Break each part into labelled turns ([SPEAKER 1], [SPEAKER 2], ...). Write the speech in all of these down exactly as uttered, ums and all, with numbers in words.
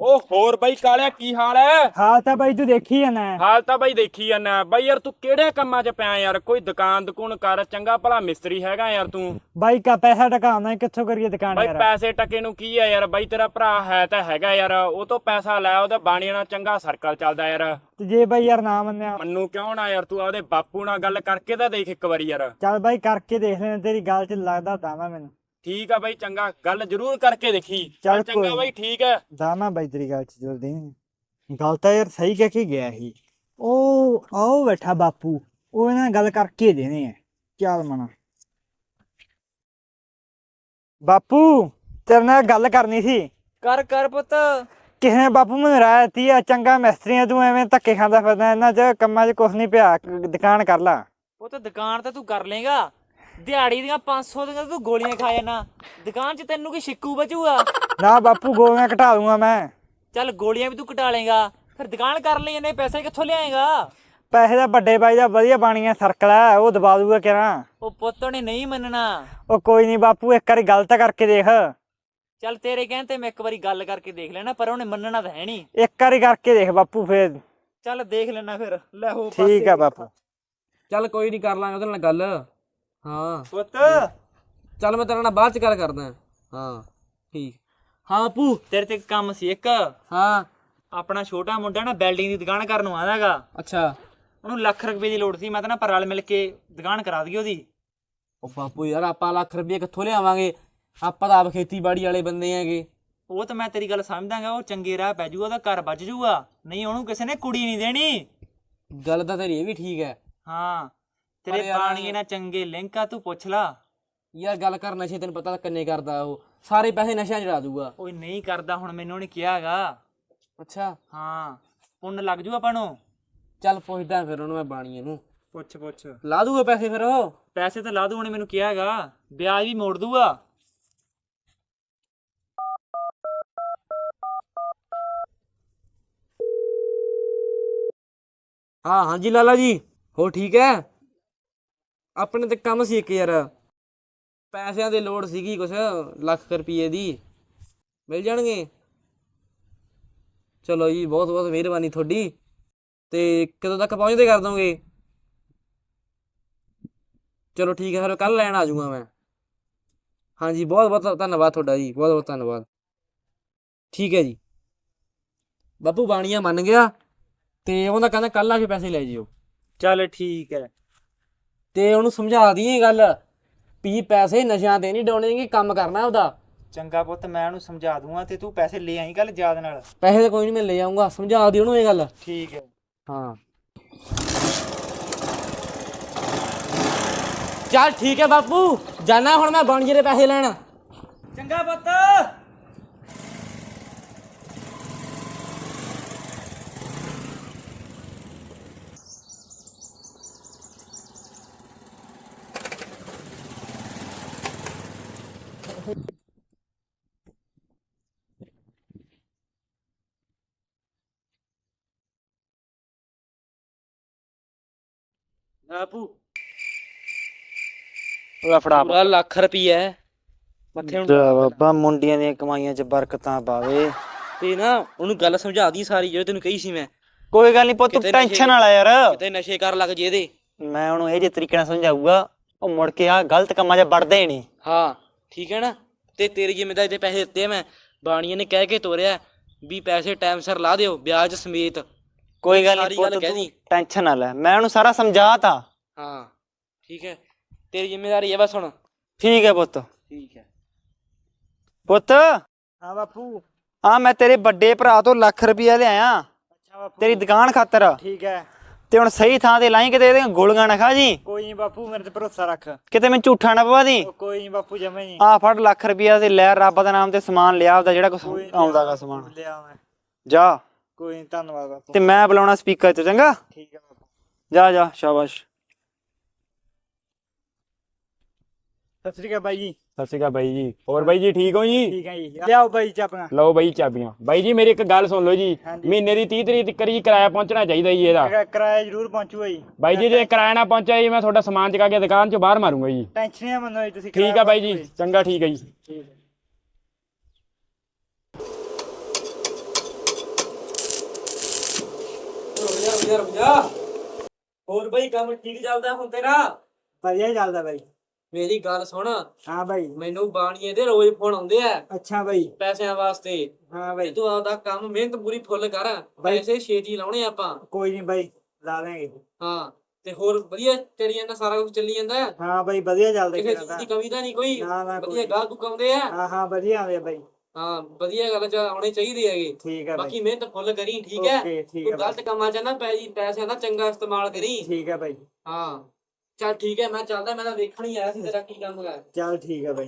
[SPEAKER 1] ਉਹ ਹੋਰ ਬਾਈ ਕਾਲਿਆ ਕੀ ਹਾਲ ਹੈ?
[SPEAKER 2] ਹਾਲ ਤਾਂ ਬਾਈ ਤੂੰ ਦੇਖੀ ਜਾਣਾ।
[SPEAKER 1] ਹਾਲ ਤਾਂ ਬਾਈ ਦੇਖੀ ਜਾਨਾ ਬਾਈ। ਯਾਰ ਤੂੰ ਕਿਹੜੇ ਕੰਮਾਂ 'ਚ ਪਿਆ ਯਾਰ? ਕੋਈ ਦੁਕਾਨ ਦੁਕਾਨ ਕਰ, ਚੰਗਾ ਭਲਾ ਮਿਸਤਰੀ ਹੈਗਾ ਯਾਰ ਤੂੰ।
[SPEAKER 2] ਬਾਈ ਕਾ ਪੈਸਾ ਟਕਾਉਣਾ ਕਿੱਥੋਂ ਕਰੀਏ ਦੁਕਾਨ
[SPEAKER 1] ਬਾਈ
[SPEAKER 2] ਯਾਰ।
[SPEAKER 1] ਪੈਸੇ ਟਕੇ ਨੂੰ ਕੀ ਆ ਯਾਰ? ਬਾਈ ਤੇਰਾ ਭਰਾ ਹੈ ਤਾਂ ਹੈਗਾ ਯਾਰ, ਉਹ ਤੋਂ ਪੈਸਾ ਲੈ, ਉਹਦਾ ਬਾਣੀਆਂ ਨਾਲ ਚੰਗਾ ਸਰਕਲ ਚੱਲਦਾ ਯਾਰ।
[SPEAKER 2] ਤੇ ਜੇ ਬਾਈ ਯਾਰ ਨਾ ਮੰਨਿਆ?
[SPEAKER 1] ਮੰਨੂ ਕਿਉਂ ਨਾ ਯਾਰ, ਤੂੰ ਆਪਦੇ ਬਾਪੂ ਨਾਲ ਗੱਲ ਕਰਕੇ ਤਾਂ ਦੇਖ ਇੱਕ ਵਾਰੀ ਯਾਰ।
[SPEAKER 2] ਚੱਲ ਬਾਈ ਕਰਕੇ ਦੇਖ ਲੈਣਾ, ਤੇਰੀ ਗੱਲ 'ਚ ਲੱਗਦਾ ਦਾਵਾ ਮੈਨੂੰ।
[SPEAKER 1] ਠੀਕ ਆ ਬਾਈ, ਚੰਗਾ, ਗੱਲ ਜ਼ਰੂਰ ਕਰਕੇ ਦੇਖੀ।
[SPEAKER 2] ਚੱਲ
[SPEAKER 1] ਚੰਗਾ
[SPEAKER 2] ਕੋਈ
[SPEAKER 1] ਬਾਈ, ਠੀਕ ਹੈ।
[SPEAKER 2] ਦਾਵਾ ਬਾਈ ਤੇਰੀ ਗੱਲ 'ਚ ਜਲਦੀ ਨਹੀਂ। ਗੱਲ ਤਾਂ ਯਾਰ ਸਹੀ ਕਹਿ ਕੇ ਗਿਆ ਸੀ ਉਹ। ਆਓ ਬੈਠਾ ਬਾਪੂ, ਉਹ ਇਹਨਾਂ ਨਾਲ ਗੱਲ ਕਰਕੇ ਦੇਣੇ ਆ। ਚੱਲ ਮਨਾ ਬਾਪੂ, ਤੇਰੇ ਨਾਲ ਗੱਲ ਕਰਨੀ ਸੀ।
[SPEAKER 3] ਕਰ ਕਰ ਪੁੱਤ।
[SPEAKER 2] ਕਿਸੇ ਨੇ ਬਾਪੂ ਮੈਨੂੰ ਰਾਇ ਦਿੱਤੀ ਆ, ਚੰਗਾ ਮਿਸਤਰੀ ਆ ਤੂੰ, ਐਵੇਂ ਧੱਕੇ ਖਾਂਦਾ ਫਿਰਦਾ ਇਹਨਾਂ 'ਚ ਕੰਮਾਂ 'ਚ ਕੁਛ ਨਹੀਂ ਪਿਆ, ਦੁਕਾਨ ਕਰ ਲਾ।
[SPEAKER 3] ਪੁੱਤ ਦੁਕਾਨ ਤਾਂ ਤੂੰ ਕਰ ਲੇਗਾ, ਦਿਹਾੜੀ ਦੀਆਂ ਪੰਜ ਸੌ ਦੀਆਂ ਤੂੰ ਗੋਲੀਆਂ ਖਾ ਜਾਣਾ, ਦੁਕਾਨ 'ਚ ਤੈਨੂੰ ਕੀ ਛਿੱਕੂ ਬਚੂਗਾ?
[SPEAKER 2] ਨਾ ਬਾਪੂ, ਗੋਲੀਆਂ ਘਟਾ ਦੂੰਗਾ ਮੈਂ।
[SPEAKER 3] ਚੱਲ ਗੋਲੀਆਂ ਵੀ ਤੂੰ ਘਟਾ ਲੇਗਾ, ਫਿਰ ਦੁਕਾਨ ਕਰ ਲਈ, ਇਹਨੇ ਪੈਸੇ ਕਿੱਥੋਂ ਲਿਆਏਗਾ?
[SPEAKER 2] ਪੈਸੇ ਦਾ ਵੱਡੇ ਬਾਈ ਦਾ ਵਧੀਆ ਬਾਣੀਆਂ ਸਰਕਲ ਹੈ, ਉਹ ਦਬਾ ਦੂਗਾ ਕਿਹੜਾ।
[SPEAKER 3] ਉਹ ਪੁੱਤ ਨੇ ਨਹੀਂ ਮੰਨਣਾ।
[SPEAKER 2] ਉਹ ਕੋਈ ਨਹੀਂ ਬਾਪੂ, ਇੱਕ ਵਾਰੀ ਗੱਲ ਤਾਂ ਕਰਕੇ ਦੇਖ।
[SPEAKER 3] ਚੱਲ ਤੇਰੇ ਕਹਿਣ ਤੇ ਮੈਂ ਇੱਕ ਵਾਰੀ ਗੱਲ ਕਰਕੇ ਦੇਖ ਲੈਣਾ, ਪਰ ਉਹਨੇ ਮੰਨਣਾ ਤਾਂ ਹੈ ਨਹੀਂ।
[SPEAKER 2] ਇੱਕ ਵਾਰੀ ਕਰਕੇ ਦੇਖ ਬਾਪੂ, ਫੇਰ
[SPEAKER 3] ਚੱਲ ਦੇਖ ਲੈਣਾ ਫਿਰ। ਲੈ ਹੋ
[SPEAKER 2] ਠੀਕ ਆ ਬਾਪੂ।
[SPEAKER 4] ਚੱਲ ਕੋਈ ਨਹੀਂ, ਕਰ ਲਾਂਗੇ ਉਹਦੇ ਨਾਲ ਗੱਲ। ਹਾਂ
[SPEAKER 2] ਪੁੱਤ,
[SPEAKER 4] ਚੱਲ ਮੈਂ ਤੇਰੇ ਨਾਲ ਬਾਅਦ ਚ ਗੱਲ ਕਰਦਾ। ਹਾਂ ਠੀਕ।
[SPEAKER 3] ਹਾਂ ਬਾਪੂ, ਤੇਰੇ ਤੇ ਕੰਮ ਸੀ ਇੱਕ।
[SPEAKER 4] ਹਾਂ
[SPEAKER 3] ਆਪਣਾ ਛੋਟਾ ਮੁੰਡਾ ਨਾ ਵੈਲਡਿੰਗ ਦੀ ਦੁਕਾਨ ਕਰਨ ਨੂੰ ਆਦਾਗਾ,
[SPEAKER 4] ਅੱਛਾ।
[SPEAKER 3] ਉਹਨੂੰ ਲੱਖ ਰੁਪਏ ਦੀ ਲੋੜ ਸੀ। ਮੈਂ ਤਾਂ ਨਾ ਪਰ ਰਲ ਮਿਲ ਕੇ ਦੁਕਾਨ ਕਰਾ ਦਈਏ ਉਹਦੀ।
[SPEAKER 4] ਉਹ ਬਾਪੂ ਯਾਰ, ਆਪਾਂ ਲੱਖ ਰੁਪਏ ਕਿੱਥੋਂ ਲਿਆਵਾਂਗੇ? ਆਪਾਂ ਤਾਂ ਆਪ ਖੇਤੀਬਾੜੀ ਵਾਲੇ ਬੰਦੇ ਹੈਗੇ।
[SPEAKER 3] ਉਹ ਤਾਂ ਮੈਂ ਤੇਰੀ ਗੱਲ ਸਮਝਦਾਗਾ, ਉਹ ਚੰਗੇ ਰਾਹ ਪੈ ਜੂਗਾ, ਉਹਦਾ ਘਰ ਬਚ ਜੂਗਾ। ਨਹੀਂ ਉਹਨੂੰ ਕਿਸੇ ਨੇ ਕੁੜੀ ਨਹੀਂ ਦੇਣੀ।
[SPEAKER 4] ਗੱਲ ਤਾਂ ਤੇਰੀ ਇਹ ਵੀ ਠੀਕ ਹੈ।
[SPEAKER 3] ਹਾਂ, ਤੇਰੇ ਬਾਣੀਏ ਨਾਲ ਚੰਗੇ ਲਿੰਕ ਆ, ਤੂੰ ਪੁੱਛ ਲਾ।
[SPEAKER 4] ਯਾਰ ਗੱਲ ਕਰ, ਨਸ਼ੇ ਤੈਨੂੰ ਪਤਾ ਕਿੰਨੇ ਕਰਦਾ ਉਹ, ਸਾਰੇ ਪੈਸੇ ਨਸ਼ਿਆਂ 'ਚ ਲਾ ਦੂਗਾ।
[SPEAKER 3] ਓਏ ਨਹੀਂ ਕਰਦਾ, ਹੁਣ ਮੈਨੂੰ ਉਹਨੇ ਕਿਹਾ ਹੈਗਾ।
[SPEAKER 4] ਅੱਛਾ
[SPEAKER 3] ਹਾਂ, ਪੁੰਨ ਲੱਗ ਜੂ ਆਪਾਂ ਨੂੰ।
[SPEAKER 4] ਚੱਲ ਪੁੱਛਦਾ ਫਿਰ ਉਹਨੂੰ ਮੈਂ ਬਾਣੀਏ ਨੂੰ।
[SPEAKER 3] ਪੁੱਛ ਪੁੱਛ।
[SPEAKER 4] ਲਾ ਦੂਗਾ ਪੈਸੇ ਫਿਰ ਉਹ?
[SPEAKER 3] ਪੈਸੇ ਤਾਂ ਲਾ ਦੂ, ਉਹਨੇ ਮੈਨੂੰ ਕਿਹਾ ਹੈਗਾ, ਵਿਆਜ ਵੀ ਮੋੜ ਦੂਗਾ।
[SPEAKER 4] ਹਾਂ ਹਾਂਜੀ ਲਾਲਾ ਜੀ, ਹੋ ਠੀਕ ਹੈ? ਆਪਣੇ ਤੇ ਕੰਮ ਸੀ ਇੱਕ ਯਾਰ, ਪੈਸਿਆਂ ਦੀ ਲੋੜ ਸੀਗੀ ਕੁਛ, ਲੱਖ ਰੁਪਏ ਦੀ ਮਿਲ ਜਾਣਗੇ? ਚਲੋ ਜੀ, ਬਹੁਤ ਬਹੁਤ ਮਿਹਰਬਾਨੀ ਤੁਹਾਡੀ। ਤੇ ਕਦੋਂ ਤੱਕ ਪਹੁੰਚਦੇ ਕਰ ਦੋਗੇ? ਚਲੋ ਠੀਕ ਹੈ, ਫਿਰ ਕੱਲ ਲੈਣ ਆ ਜਾਊਗਾ ਮੈਂ। ਹਾਂਜੀ, ਬਹੁਤ ਬਹੁਤ ਧੰਨਵਾਦ ਤੁਹਾਡਾ ਜੀ, ਬਹੁਤ ਬਹੁਤ ਧੰਨਵਾਦ। ਠੀਕ ਹੈ ਜੀ। ਬਾਪੂ ਬਾਣੀਆ ਮੰਨ ਗਿਆ, ਤੇ ਉਹਦਾ ਕਹਿੰਦਾ ਕੱਲ ਆ ਕੇ ਪੈਸੇ ਲੈ ਜਿਓ।
[SPEAKER 3] ਚੱਲ ਠੀਕ ਹੈ।
[SPEAKER 4] ਤੇ ਉਹਨੂੰ ਸਮਝਾ ਦਈਏ ਗੱਲ ਵੀ ਪੈਸੇ ਨਸ਼ਿਆਂ ਤੇ ਨਹੀਂ ਡਾਉਣੇ, ਕੰਮ ਕਰਨਾ ਉਹਦਾ।
[SPEAKER 3] ਚੰਗਾ ਪੁੱਤ, ਮੈਂ ਉਹਨੂੰ ਸਮਝਾ ਦੂੰਗਾ, ਤੇ ਤੂੰ ਪੈਸੇ ਲੈ ਆਈ ਕੱਲ ਯਾਦ ਨਾਲ।
[SPEAKER 4] ਪੈਸੇ ਤਾਂ ਕੋਈ ਨਹੀਂ, ਮੈਂ ਲੈ ਆਊਂਗਾ, ਸਮਝਾ ਦੀ ਉਹਨੂੰ ਇਹ ਗੱਲ।
[SPEAKER 3] ਠੀਕ ਹੈ।
[SPEAKER 4] ਹਾਂ ਚੱਲ ਠੀਕ ਹੈ ਬਾਪੂ, ਜਾਣਾ ਹੁਣ ਮੈਂ ਬਾਣੀਏ ਦੇ ਪੈਸੇ ਲੈਣ।
[SPEAKER 3] ਚੰਗਾ ਪੁੱਤ। ਬਾਪੂ
[SPEAKER 2] ਉਹ ਫੜਾ
[SPEAKER 4] ਪੂਰਾ ਲੱਖ ਰੁਪਈਆ ਮੱਥੇ ਹੁਣ।
[SPEAKER 2] ਬਾਬਾ, ਮੁੰਡੀਆਂ ਦੀਆਂ ਕਮਾਈਆਂ 'ਚ ਬਰਕਤਾਂ ਪਾਵੇ।
[SPEAKER 4] ਤੇ ਨਾ ਉਹਨੂੰ ਗੱਲ ਸਮਝਾ ਦੀ ਸਾਰੀ, ਜਿਹੜੀ ਤੈਨੂੰ ਕਹੀ ਸੀ ਮੈਂ।
[SPEAKER 2] ਕੋਈ ਗੱਲ ਨਹੀਂ ਪੁੱਤ,
[SPEAKER 4] ਕਿਤੇ
[SPEAKER 2] ਟੈਨਸ਼ਨ ਵਾਲਾ ਯਾਰ।
[SPEAKER 4] ਕਿਤੇ ਨਸ਼ੇ ਕਰ ਲੱਗ ਜੇ ਇਹਦੇ।
[SPEAKER 2] ਮੈਂ ਉਹਨੂੰ ਇਹ ਜਿਹੇ ਤਰੀਕੇ ਨਾਲ ਸਮਝਾਊਗਾ, ਉਹ ਮੁੜ ਕੇ ਆ ਗਲਤ ਕੰਮਾਂ 'ਚ ਵੜਦੇ ਹੀ ਨਹੀਂ।
[SPEAKER 4] ਹਾਂ ਠੀਕ ਹੈ ਨਾ। ਤੇ ਤੇਰੀ ਜ਼ਿੰਮੇਦਾਰੀ ਦੇ ਪੈਸੇ ਦਿੱਤੇ ਮੈਂ, ਬਾਣੀਏ ਨੇ ਕਹਿ ਕੇ ਤੋਰਿਆ ਵੀ ਪੈਸੇ ਟਾਈਮ ਸਿਰ ਲਾ ਦਿਓ, ਵਿਆਜ ਸਮੇਤ।
[SPEAKER 2] ਕੋਈ ਗੱਲ
[SPEAKER 4] ਸਾਰੀ
[SPEAKER 2] ਨਹੀਂ
[SPEAKER 4] ਗੱਲ ਕਹਿ
[SPEAKER 2] ਪੁੱਤ,
[SPEAKER 4] ਦੀ।
[SPEAKER 2] ਟੈਨਸ਼ਨ ਨਾ ਲੈ, ਮੈਂ ਉਹਨੂੰ ਸਾਰਾ ਸਮਝਾਤਾ।
[SPEAKER 4] ਹਾਂ ਠੀਕ ਹੈ, ਤੇਰੀ ਜ਼ਿੰਮੇਦਾਰੀ ਹੈ ਬਸ ਹੁਣ।
[SPEAKER 2] ਠੀਕ ਹੈ ਪੁੱਤ।
[SPEAKER 4] ਠੀਕ ਹੈ
[SPEAKER 2] ਪੁੱਤ। ਹਾਂ ਬਾਪੂ। ਹਾਂ, ਮੈਂ ਤੇਰੇ ਵੱਡੇ ਭਰਾ ਤੋਂ ਲੱਖ ਰੁਪਇਆ ਲਿਆਇਆ। ਅੱਛਾ ਬਾਪੂ, ਤੇਰੀ ਦੁਕਾਨ ਖਾਤਰ। ਠੀਕ ਹੈ। ਤੇ ਹੁਣ ਸਹੀ ਥਾਂ ਤੇ ਲਾਈ, ਕਿਤੇ ਇਹਦੀਆਂ ਗੋਲੀਆਂ ਨਾ ਖਾ ਜੀ। ਕੋਈ ਨਹੀਂ ਬਾਪੂ, ਮੇਰੇ ਤੇ ਭਰੋਸਾ ਰੱਖ। ਕਿਤੇ ਮੈਂ ਝੂਠਾ ਨਾ ਪਵਾ ਦੀ। ਕੋਈ ਨਹੀਂ ਬਾਪੂ, ਜਮੇ ਨਹੀਂ। ਆ ਫੜ ਲੱਖ ਰੁਪਇਆ ਤੇ ਲੈ, ਰੱਬ ਦਾ ਨਾਮ ਤੇ ਸਮਾਨ ਲਿਆ ਆਪਦਾ, ਜਿਹੜਾ ਕੁਛ ਆਉਂਦਾਗਾ ਸਮਾਨ ਲਿਆ ਮੈਂ। ਜਾ। ਕੋਈ ਨਹੀਂ, ਧੰਨਵਾਦ ਬਾਪੂ। ਤੇ ਮੈਂ ਬੁਲਾਉਣਾ ਸਪੀਕਰ 'ਚ, ਚੰਗਾ? ਠੀਕ ਹੈ ਬਾਪੂ। ਜਾ ਜਾ, ਸ਼ਾਬਾਸ਼। ਸਤਿ ਸ੍ਰੀ ਅਕਾਲ ਬਾਈ ਜੀ।
[SPEAKER 1] ਸਤਿ ਸ਼੍ਰੀ ਅਕਾਲ ਬਾਈ ਜੀ। ਹੋਰ ਬਾਈ ਜੀ ਠੀਕ ਹੋ ਜੀ?
[SPEAKER 2] ਠੀਕ ਹੈ ਜੀ। ਲਿਆਓ ਬਾਈ ਚਾਬੀਆਂ।
[SPEAKER 1] ਲਓ ਬਾਈ ਚਾਬੀਆਂ। ਬਾਈ ਜੀ ਮੇਰੀ ਇੱਕ ਗੱਲ ਸੁਣ ਲਓ ਜੀ, ਮਹੀਨੇ ਦੀ ਤੀਹ ਤਰੀਕ ਤੱਕ ਜੀ ਕਿਰਾਇਆ ਪਹੁੰਚਣਾ ਚਾਹੀਦਾ ਜੀ ਇਹਦਾ।
[SPEAKER 2] ਕਿਰਾਇਆ ਜ਼ਰੂਰ ਪਹੁੰਚੂਗਾ ਜੀ।
[SPEAKER 1] ਬਾਈ ਜੀ ਜੇ ਕਿਰਾਇਆ ਨਾ ਪਹੁੰਚਿਆ ਜੀ, ਮੈਂ ਤੁਹਾਡਾ ਸਮਾਨ ਚੁਕਾ ਕੇ ਦੁਕਾਨ 'ਚੋਂ ਬਾਹਰ ਮਾਰੂੰਗਾ ਜੀ।
[SPEAKER 2] ਟੈਨਸ਼ਨ ਨਾ ਮੰਨੋ ਜੀ ਤੁਸੀਂ।
[SPEAKER 1] ਠੀਕ ਆ ਬਾਈ ਜੀ, ਚੰਗਾ, ਠੀਕ ਹੈ ਜੀ।
[SPEAKER 4] ਵਧੀਆ ਰੁਪਿਆ। ਹੋਰ ਬਈ ਕੰਮ ਠੀਕ ਚੱਲਦਾ ਹੁਣ ਤੇਰਾ?
[SPEAKER 2] ਵਧੀਆ ਚੱਲਦਾ ਬਾਈ।
[SPEAKER 4] ਮੇਰੀ ਗੱਲ ਸੁਣ,
[SPEAKER 2] ਹਾਂ ਬਾਈ।
[SPEAKER 4] ਮੈਨੂੰ ਬਾਣੀਏ ਦੇ ਰੋਜ਼ ਫੋਨ ਆਉਂਦੇ ਆ
[SPEAKER 2] ਅੱਛਾ ਬਾਈ।
[SPEAKER 4] ਪੈਸਿਆਂ ਵਾਸਤੇ।
[SPEAKER 2] ਹਾਂ ਬਾਈ।
[SPEAKER 4] ਤੂੰ ਆਪਦਾ ਕੰਮ ਮਿਹਨਤ ਪੂਰੀ ਫੁੱਲ ਕਰ, ਪੈਸੇ ਛੇਤੀ ਲਾਉਣੇ ਆਪਾਂ।
[SPEAKER 2] ਕੋਈ ਨਹੀਂ ਬਾਈ, ਲਾ ਦਾਂਗੇ।
[SPEAKER 4] ਹਾਂ ਤੇ ਹੋਰ ਵਧੀਆ ਚੱਲੀ ਜਾਂਦਾ, ਸਾਰਾ ਕੁਝ ਚੱਲੀ ਜਾਂਦਾ?
[SPEAKER 2] ਹਾਂ ਬਾਈ ਵਧੀਆ ਚੱਲਦਾ।
[SPEAKER 4] ਕਿਸੇ ਚੀਜ਼ ਦੀ ਕਮੀ ਤਾਂ ਨਹੀਂ ਕੋਈ?
[SPEAKER 2] ਨਾ ਨਾ
[SPEAKER 4] ਵਧੀਆ ਗਾਹਕ ਗੁੱਕ ਆਉਂਦੇ ਆ?
[SPEAKER 2] ਹਾਂ ਹਾਂ ਵਧੀਆ ਆਉਂਦੇ ਆ ਬਾਈ।
[SPEAKER 4] ਹਾਂ ਵਧੀਆ ਗੱਲ ਚ ਆਉਣੇ ਚਾਹੀਦੇ ਹੈਗੇ।
[SPEAKER 2] ਠੀਕ ਹੈ ਬਾਈ।
[SPEAKER 4] ਬਾਕੀ ਮਿਹਨਤ ਫੁੱਲ ਕਰੀ, ਠੀਕ ਹੈ?
[SPEAKER 2] ਓਕੇ ਠੀਕ
[SPEAKER 4] ਤੂੰ
[SPEAKER 2] ਹੈ
[SPEAKER 4] ਗਲਤ ਕੰਮਾਂ ਚ ਨਾ ਪੈ ਜੀ, ਪੈਸਿਆਂ ਦਾ ਚੰਗਾ ਇਸਤੇਮਾਲ ਕਰੀ।
[SPEAKER 2] ਠੀਕ ਹੈ ਬਾਈ।
[SPEAKER 4] ਹਾਂ ਚੱਲ ਠੀਕ ਹੈ, ਮੈਂ ਚੱਲਦਾ, ਮੈਂ ਤਾਂ ਵੇਖਣ ਹੀ ਆਇਆ ਸੀ ਤੇਰਾ ਕੀ ਕੰਮ ਹੈ।
[SPEAKER 2] ਚੱਲ ਠੀਕ ਹੈ ਬਾਈ।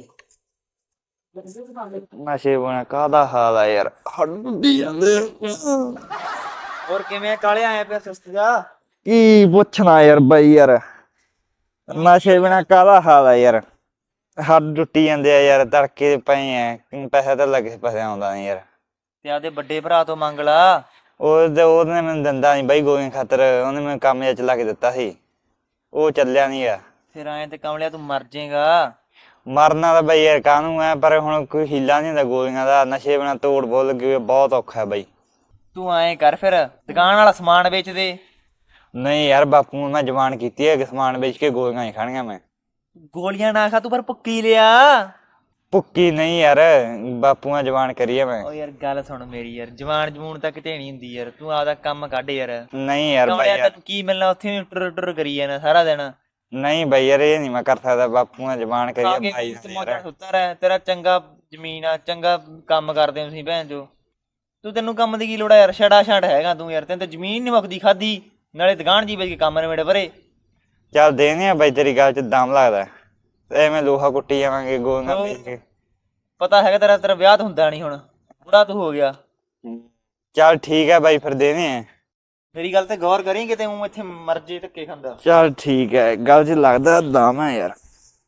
[SPEAKER 5] ਨਸ਼ੇ ਬਣਾ ਕਾਹਦਾ ਹਾਲ ਆ ਯਾਰ, ਹੱਡੀ ਜਾਂਦੇ।
[SPEAKER 2] ਹੋਰ ਕਿਵੇਂ ਕਾਲੇ ਆਏ ਪਿਆ ਸੁਸਤ ਜਾ?
[SPEAKER 5] ਕੀ ਪੁੱਛਣਾ ਯਾਰ ਬਾਈ, ਯਾਰ ਨਸ਼ੇ ਬਿਨਾ ਕਾਹਦਾ ਹਾਲ ਆ ਯਾਰ, ਹੱਡ ਟੁੱਟੀ ਜਾਂਦੇ ਆ ਯਾਰ, ਤੜਕੇ ਪਏ ਆ, ਪੈਸਾ ਤਾਂ ਲੱਗੇ ਪੈਸੇ ਆਉਂਦਾ ਨੀ ਯਾਰ।
[SPEAKER 2] ਤੇ ਆਪਦੇ ਵੱਡੇ ਭਰਾ ਤੋਂ ਮੰਗ ਲਾ।
[SPEAKER 5] ਉਹ ਉਹਨੇ ਮੈਨੂੰ ਦਿੰਦਾ ਨੀ ਬਾਈ ਗੋਲੀਆਂ ਖਾਤਰ, ਉਹਨੇ ਮੈਨੂੰ ਕੰਮ ਜਿਹਾ ਚਲਾ ਕੇ ਦਿੱਤਾ ਸੀ, ਉਹ ਚੱਲਿਆ ਨੀ ਆ।
[SPEAKER 2] ਫਿਰ ਆਏ ਤੇ ਕਮਲਿਆ ਤੂੰ ਮਰ ਜਾਏਗਾ।
[SPEAKER 5] ਮਰਨਾ ਤਾਂ ਬਾਈ ਯਾਰ ਕਾਹਨੂੰ ਐ, ਪਰ ਹੁਣ ਕੋਈ ਹੀਲਾ ਨੀ ਹੁੰਦਾ ਗੋਲੀਆਂ ਦਾ, ਨਸ਼ੇ ਬਿਨਾ ਤੋੜ ਬਹੁਤ ਲੱਗੀ ਹੋਈ, ਬਹੁਤ ਔਖਾ ਬਾਈ।
[SPEAKER 2] ਤੂੰ ਐਂ ਕਰ ਫਿਰ ਦੁਕਾਨ ਵਾਲਾ ਸਮਾਨ ਵੇਚ ਦੇ।
[SPEAKER 5] ਨਹੀਂ ਯਾਰ ਬਾਪੂ ਨੂੰ ਮੈਂ ਜਵਾਨ ਕੀਤੀ ਹੈ, ਸਮਾਨ ਵੇਚ ਕੇ ਗੋਲੀਆਂ ਹੀ ਖਾਣੀਆਂ ਮੈਂ।
[SPEAKER 2] ਗੋਲੀਆਂ ਨਾ ਖਾ ਤੂੰ, ਪਰ ਭੁੱਕੀ ਲਿਆ।
[SPEAKER 5] ਭੁੱਕੀ ਨਹੀਂ ਯਾਰ, ਬਾਪੂ ਨਾਲ ਜਵਾਨ ਕਰੀਏ ਮੈਂ।
[SPEAKER 2] ਓ ਯਾਰ ਗੱਲ ਸੁਣ ਮੇਰੀ ਯਾਰ, ਜਵਾਨ ਜਮੂਨ ਤਾਂ ਕਿਤੇ ਨਹੀਂ ਹੁੰਦੀ ਯਾਰ, ਤੂੰ ਆਪਦਾ ਕੰਮ ਕੱਢ ਯਾਰ।
[SPEAKER 5] ਨਹੀਂ ਯਾਰ ਬਾਈ ਯਾਰ,
[SPEAKER 2] ਤੈਨੂੰ ਕੀ ਮਿਲਣਾ ਉੱਥੇ, ਟੁਰ ਟੁਰ ਕਰੀ ਜਾਣਾ ਸਾਰਾ ਦਿਨ।
[SPEAKER 5] ਨਹੀਂ ਬਾਈ ਯਾਰ ਇਹ ਨਹੀਂ ਮੈਂ ਕਰ ਸਕਦਾ, ਬਾਪੂ ਨਾਲ ਜਵਾਨ ਕਰੀਏ ਭਾਈ
[SPEAKER 2] ਮੌਜਾਂ ਸੁੱਤਾ ਰਹਿ, ਤੇਰਾ ਚੰਗਾ ਜ਼ਮੀਨ ਆ, ਚੰਗਾ ਕੰਮ ਕਰਦੇ ਹੋ ਤੁਸੀਂ ਭੈਣ ਜੋ। ਤੂੰ ਤੈਨੂੰ ਕੰਮ ਦੀ ਕੀ ਲੋੜ ਆ ਯਾਰ, ਛੜਾ ਛੜ ਹੈਗਾ ਤੂੰ ਯਾਰ, ਤੈਨੂੰ ਤਾਂ ਜ਼ਮੀਨ ਨੀ ਮੁੱਕਦੀ ਖਾਦੀ, ਨਾਲੇ ਦੁਕਾਨ ਜੀ ਵੇਚ ਕੇ ਕੰਮ ਨਿਬੜੇ ਪਰੇ।
[SPEAKER 5] ਚੱਲ ਦੇਨੇ ਆ ਬਾਈ, ਤੇਰੀ ਗੱਲ ਚ ਦਮ ਲੱਗਦਾ, ਐਵੇਂ ਲੋਹਾ ਕੁੱਟੀ ਜਾਵਾਂਗੇ ਗੋਲੀਆਂ ਵੇਚ ਕੇ।
[SPEAKER 2] ਪਤਾ ਹੈਗਾ ਤੇਰਾ, ਤੇਰਾ ਵਿਆਹ ਤਾਂ ਹੁੰਦਾ ਨਹੀਂ ਹੁਣ, ਬੁੜਾ ਤੂੰ ਹੋ ਗਿਆ।
[SPEAKER 5] ਚੱਲ ਠੀਕ ਹੈ ਬਾਈ ਫਿਰ ਦੇਨੇ ਆ।
[SPEAKER 2] ਮੇਰੀ ਗੱਲ ਤੇ ਗੌਰ ਕਰੀ, ਕਿਤੇ ਉਹ ਇੱਥੇ ਮਰ ਜੇ ਧੱਕੇ ਖਾਂਦਾ।
[SPEAKER 5] ਚੱਲ ਠੀਕ ਹੈ, ਗੱਲ ਚ ਲੱਗਦਾ ਦਮ ਹੈ ਯਾਰ।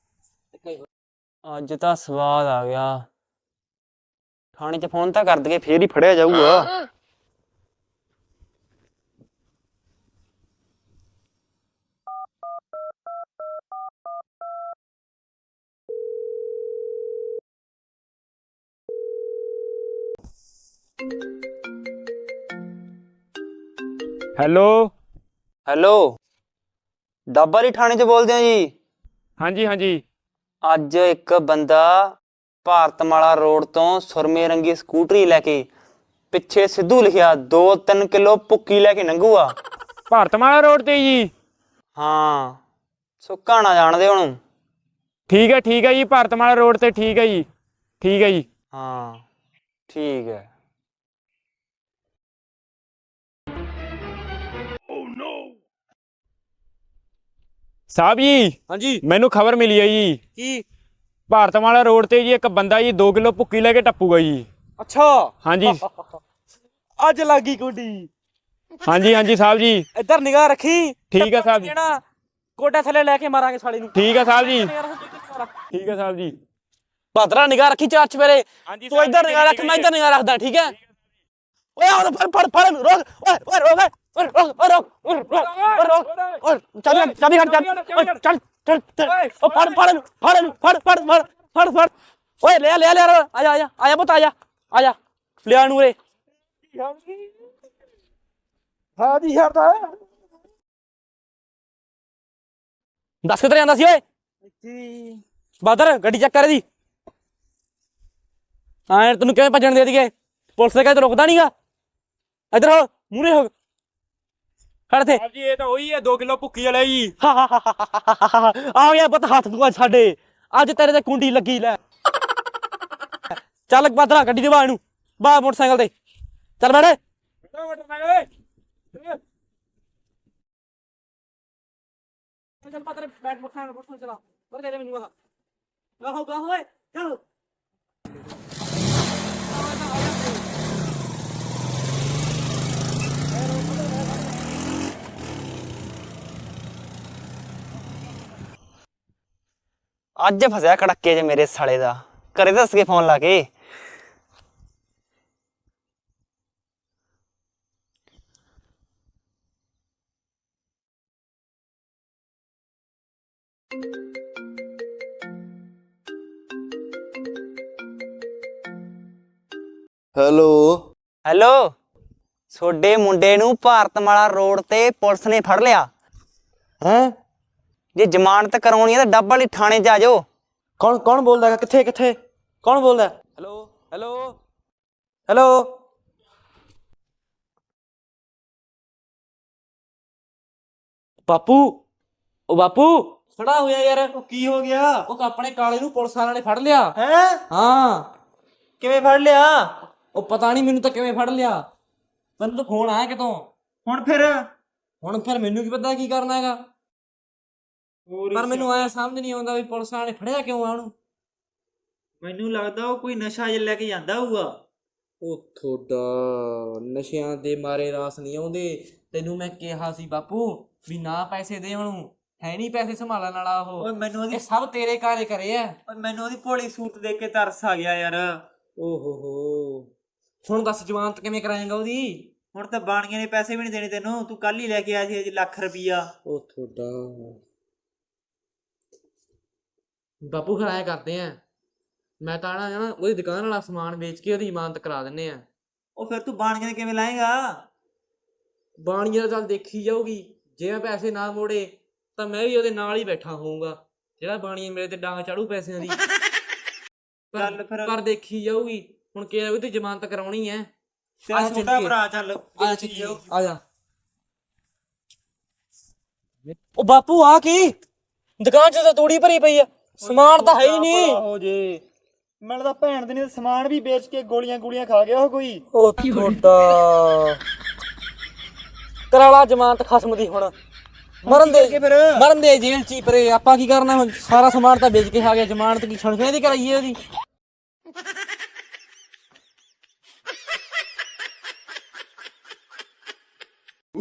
[SPEAKER 4] ਅੱਜ ਤਾਂ ਸਵਾਦ ਆ ਗਿਆ। ਥਾਣੇ 'ਚ ਫੋਨ ਤਾਂ ਕਰ ਦਈਏ, ਫੇਰ ਹੀ ਫੜਿਆ ਜਾਊਗਾ।
[SPEAKER 1] ਹੈਲੋ
[SPEAKER 4] ਹੈਲੋ, ਡੱਬਾ ਵਾਲੀ ਥਾਣੇ 'ਚ ਬੋਲਦੇ ਆ ਜੀ?
[SPEAKER 1] ਹਾਂਜੀ ਹਾਂਜੀ।
[SPEAKER 4] ਅੱਜ ਇੱਕ ਬੰਦਾ ਭਾਰਤਮਾਲਾ ਰੋਡ ਤੋਂ ਸੁਰਮੇ ਰੰਗੀ ਸਕੂਟਰੀ ਲੈ ਕੇ, ਪਿੱਛੇ ਸਿੱਧੂ ਲਿਖਿਆ, ਦੋ ਤਿੰਨ ਕਿਲੋ ਭੁੱਕੀ ਲੈ ਕੇ ਲੰਘੂਆ।
[SPEAKER 1] ਭਾਰਤਮਾਲਾ ਰੋਡ ਤੇ ਜੀ?
[SPEAKER 4] ਹਾਂ, ਸੁੱਕਾ ਨਾ ਜਾਣਦੇ ਉਹਨੂੰ।
[SPEAKER 1] ਠੀਕ ਹੈ ਠੀਕ ਹੈ ਜੀ, ਭਾਰਤਮਾਲਾ ਰੋਡ ਤੇ ਠੀਕ ਹੈ ਜੀ, ਠੀਕ ਹੈ ਜੀ।
[SPEAKER 4] ਹਾਂ ਠੀਕ ਹੈ।
[SPEAKER 1] ਸਾਹਿਬ ਜੀ
[SPEAKER 4] ਹਾਂਜੀ
[SPEAKER 1] ਮੈਨੂੰ ਖਬਰ ਮਿਲੀ ਹੈ ਜੀ,
[SPEAKER 4] ਕੀ?
[SPEAKER 1] ਭਾਰਤਮਾਲਾ ਰੋਡ ਤੇ ਜੀ ਇੱਕ ਬੰਦਾ ਜੀ ਦੋ ਕਿਲੋ ਭੁੱਕੀ ਲੈ ਕੇ ਟੱਪੂਗਾ ਜੀ।
[SPEAKER 4] ਅੱਛਾ
[SPEAKER 1] ਹਾਂਜੀ
[SPEAKER 4] ਅੱਜ ਲੱਗੀ ਕੁੰਡੀ।
[SPEAKER 1] ਹਾਂਜੀ ਹਾਂਜੀ ਸਾਹਿਬ ਜੀ।
[SPEAKER 4] ਇੱਧਰ ਨਿਗਾਹ ਰੱਖੀ।
[SPEAKER 1] ਠੀਕ ਹੈ ਸਾਹਿਬ ਜੀ।
[SPEAKER 4] ਜਿਹੜਾ ਕੋਟਾ ਥੱਲੇ ਲੈ ਕੇ ਮਾਰਾਂਗੇ ਸਾਲੇ ਨੂੰ।
[SPEAKER 1] ਠੀਕ ਹੈ ਸਾਹਿਬ ਜੀ, ਠੀਕ ਹੈ ਸਾਹਿਬ ਜੀ।
[SPEAKER 4] ਭਾਦਰਾ ਨਿਗਾਹ ਰੱਖੀ ਚਾਰ ਚਵੇਰੇ।
[SPEAKER 1] ਹਾਂਜੀ
[SPEAKER 4] ਤੂੰ ਇੱਧਰ ਨਿਗਾਹ ਰੱਖ, ਮੈਂ ਇੱਧਰ ਨਿਗਾਹ ਰੱਖਦਾ, ਠੀਕ ਹੈ? ਓਏ ਆ ਫੜ ਫੜ ਫੜ ਰੋਕ, ਓਏ ਓਏ ਰੋਕ, ਓਏ ਰੋਕ ਓਏ ਰੋਕ ਓਏ ਰੋਕ ਓਏ ਚਾਬੀ ਚਾਬੀ ਖੜ, ਚੱਲ ਚੱਲ ਚੱਲ ਓ ਫੜ ਫੜ ਫੜ ਫੜ ਫੜ ਫੜ ਫੜ ਫੜ ਓਏ ਲੈ ਲੈ ਲੈ ਆ ਜਾ ਆ ਜਾ ਆ ਜਾ ਪੁੱਤ, ਆ ਜਾ ਆ ਜਾ ਲਿਆ ਨੂੰ ਰੇ।
[SPEAKER 2] ਹਾਂ ਜੀ ਯਾਰ ਦਾ
[SPEAKER 4] ਦੱਸ ਕਿੱਧਰ ਜਾਂਦਾ ਸੀ ਓਏ? ਬਾਦਰ ਗੱਡੀ ਚੈੱਕ ਕਰ ਇਹਦੀ। ਹਾਂ ਯਾਰ ਤੈਨੂੰ ਕਿਵੇਂ ਭੱਜਣ ਦੇ ਦਈਏ, ਪੁਲਿਸ ਦੇ ਕਹਿੰਦੇ ਰੁਕਦਾ ਨਹੀਂਗਾ। ਇੱਧਰ ਹੋ, ਮੂਹਰੇ ਹੋ, ਖੜ ਤੇ।
[SPEAKER 1] ਸਾਹਿਬ ਜੀ ਇਹ ਤਾਂ ਉਹੀ ਹੈ ਦੋ ਕਿਲੋ ਭੁੱਕੀ ਵਾਲਾ ਜੀ।
[SPEAKER 4] ਆ ਗਿਆ ਪੁੱਤ ਹੱਥ ਨੂੰ ਸਾਡੇ, ਅੱਜ ਤੇਰੇ ਤੇ ਕੁੰਡੀ ਲੱਗੀ ਲੈ। ਚੱਲ ਬਾਦਰਾ ਗੱਡੀ ਦੇ ਬਾਹਰ ਨੂੰ, ਬਾਹਰ ਮੋਟਰਸਾਈਕਲ ਤੇ ਚੱਲ ਬੈਠ। ਚੱਲ ਬਾਦਰਾ ਬੈਠ, ਮੋਟਰਸਾਈਕਲ ਮੋਟਰਸਾਈਕਲ ਚਲਾ ਬਰ ਤੇਰੇ ਮੈਨੂੰ ਆ ਗਾਹੋ ਗਾਹੋ ਓਏ ਚੱਲ। ਅੱਜ ਫਸਿਆ ਕੜੱਕੇ 'ਚ ਮੇਰੇ ਸਾਲੇ ਦਾ, ਘਰੇ ਦੱਸ ਕੇ ਫੋਨ ਲਾ ਕੇ।
[SPEAKER 5] ਹੈਲੋ
[SPEAKER 4] ਹੈਲੋ
[SPEAKER 2] ਤੁਹਾਡੇ ਮੁੰਡੇ ਨੂੰ ਭਾਰਤਮਾਲਾ ਰੋਡ ਤੇ ਪੁਲਿਸ ਨੇ ਫੜ ਲਿਆ।
[SPEAKER 4] ਹੈ
[SPEAKER 2] ਜੇ ਜ਼ਮਾਨਤ ਕਰਾਉਣੀ ਹੈ ਤਾਂ ਡੱਬ ਵਾਲੀ ਥਾਣੇ 'ਚ ਆ ਜਾਓ।
[SPEAKER 4] ਕੌਣ ਕੌਣ ਬੋਲਦਾ ਹੈਗਾ? ਕਿੱਥੇ ਕਿੱਥੇ ਕੌਣ ਬੋਲਦਾ? Hello hello hello. ਬਾਪੂ, ਉਹ ਬਾਪੂ ਖੜਾ ਹੋਇਆ ਯਾਰ।
[SPEAKER 2] ਉਹ ਕੀ ਹੋ ਗਿਆ?
[SPEAKER 4] ਉਹ ਆਪਣੇ ਕਾਲੇ ਨੂੰ ਪੁਲਿਸ ਵਾਲਿਆਂ ਨੇ ਫੜ ਲਿਆ।
[SPEAKER 2] ਹੈ
[SPEAKER 4] ਹਾਂ
[SPEAKER 2] ਕਿਵੇਂ ਫੜ ਲਿਆ?
[SPEAKER 4] ਉਹ ਪਤਾ ਨਹੀਂ ਮੈਨੂੰ ਤਾਂ ਕਿਵੇਂ ਫੜ ਲਿਆ। ਮੈਨੂੰ ਤਾਂ ਫੋਨ ਆਇਆ ਕਿਤੋਂ।
[SPEAKER 2] ਹੁਣ ਫਿਰ
[SPEAKER 4] ਹੁਣ ਫਿਰ ਮੈਨੂੰ ਕੀ ਪਤਾ ਕੀ ਕਰਨਾ ਹੈਗਾ। ਪਰ ਮੈਨੂੰ ਆਇਆ ਸਮਝ ਨਹੀਂ ਆਉਂਦਾ ਵੀ ਪੁਲਿਸ ਵਾਲਿਆਂ ਨੇ ਫੜਿਆ ਕਿਉਂ ਆ ਉਹਨੂੰ।
[SPEAKER 2] ਮੈਨੂੰ ਲੱਗਦਾ ਉਹ ਕੋਈ ਨਸ਼ਾ ਜਿਹਾ ਲੈ ਕੇ ਜਾਂਦਾ ਹੋਊਗਾ।
[SPEAKER 4] ਉਹ ਤੁਹਾਡਾ ਨਸ਼ਿਆਂ ਦੇ ਮਾਰੇ ਰਾਸ ਨਹੀਂ ਆਉਂਦੇ। ਤੈਨੂੰ ਮੈਂ ਕਿਹਾ ਸੀ ਬਾਪੂ ਵੀ ਨਾ ਪੈਸੇ ਦੇ ਉਹਨੂੰ, ਹੈ ਨਹੀਂ ਪੈਸੇ ਸੰਭਾਲਣ ਵਾਲਾ ਉਹ।
[SPEAKER 2] ਓਏ ਮੈਨੂੰ ਉਹਦੀ
[SPEAKER 4] ਇਹ ਸਭ ਤੇਰੇ ਕਾਰੇ ਕਰੇ ਆ।
[SPEAKER 2] ਓਏ ਮੈਨੂੰ ਉਹਦੀ ਭੋਲੀ ਸੂਰਤ ਦੇਖ ਕੇ ਤਰਸ ਆ ਗਿਆ ਯਾਰ।
[SPEAKER 4] ਓਹੋ ਹੋ ਹੁਣ ਦੱਸ ਜ਼ਮਾਨਤ ਕਿਵੇਂ ਕਰਾਏਗਾ ਉਹਦੀ?
[SPEAKER 2] ਹੁਣ ਤਾਂ ਬਾਣੀਆਂ ਨੇ ਪੈਸੇ ਵੀ ਨਹੀਂ ਦੇਣੇ ਤੈਨੂੰ। ਤੂੰ ਕੱਲ ਹੀ ਲੈ ਕੇ ਆਇਆ ਸੀ ਅਜੇ ਲੱਖ ਰੁਪਈਆ।
[SPEAKER 4] ਉਹ ਤੁਹਾਡਾ ਬਾਪੂ ਫਿਰ ਐਂ ਕਰਦੇ ਆ, ਮੈਂ ਤਾਂ ਨਾ ਨਾ ਉਹਦੀ ਦੁਕਾਨ ਵਾਲਾ ਸਮਾਨ ਵੇਚ ਕੇ ਉਹਦੀ ਜ਼ਮਾਨਤ ਕਰਾ ਦਿੰਨੇ ਆ।
[SPEAKER 2] ਉਹ ਫਿਰ ਤੂੰ ਬਾਣੀਆਂ ਦੇ ਕਿਵੇਂ ਲਾਏਗਾ?
[SPEAKER 4] ਬਾਣੀਏ ਦਾ ਚੱਲ ਦੇਖੀ ਜਾਊਗੀ। ਜੇ ਮੈਂ ਪੈਸੇ ਨਾ ਮੋੜੇ ਤਾਂ ਮੈਂ ਵੀ ਉਹਦੇ ਨਾਲ ਹੀ ਬੈਠਾ ਹੋਊਗਾ ਜਿਹੜਾ ਬਾਣੀਏ ਮੇਰੇ ਤੇ ਡਾਂਗ ਚਾੜੂ ਪੈਸਿਆਂ ਦੀ।
[SPEAKER 2] ਚੱਲ ਫਿਰ
[SPEAKER 4] ਪਰ ਦੇਖੀ ਜਾਊਗੀ। ਹੁਣ ਕਿਹਾ ਵੀ ਤੂੰ ਜ਼ਮਾਨਤ ਕਰਾਉਣੀ ਐ।
[SPEAKER 2] ਤੇਰਾ ਛੋਟਾ ਭਰਾ ਚੱਲ
[SPEAKER 4] ਆ ਚੱਲੀਏ, ਆ ਜਾ। ਉਹ ਬਾਪੂ ਆ ਕੀ? ਦੁਕਾਨ 'ਚ ਤਾਂ ਤੂੜੀ ਭਰੀ ਪਈ ਆ, ਸਮਾਨ ਤਾਂ ਹੈ ਹੀ ਨਹੀਂ।
[SPEAKER 2] ਹੋ ਜੇ ਮੈਨੂੰ ਤਾਂ ਭੈਣ ਦੇ ਨੇ ਸਮਾਨ ਵੀ ਵੇਚ ਕੇ ਗੋਲੀਆਂ ਗੋਲੀਆਂ ਖਾ ਗਿਆ ਉਹ ਕੋਈ।
[SPEAKER 4] ਉਹ ਤੁਹਾਡਾ ਕਰਾਲਾ ਜ਼ਮਾਨਤ ਖਸਮ ਦੀ। ਹੁਣ ਮਰਨ ਦੇ
[SPEAKER 2] ਫਿਰ
[SPEAKER 4] ਮਰਨ ਦੇ ਜੇਲ੍ਹ 'ਚ ਹੀ ਪਰੇ। ਆਪਾਂ ਕੀ ਕਰਨਾ ਹੁਣ? ਸਾਰਾ ਸਮਾਨ ਤਾਂ ਵੇਚ ਕੇ ਖਾ ਗਿਆ। ਜ਼ਮਾਨਤ ਕੀ ਛਣਛਣੇ ਦੀ ਕਰਾਈਏ ਉਹਦੀ?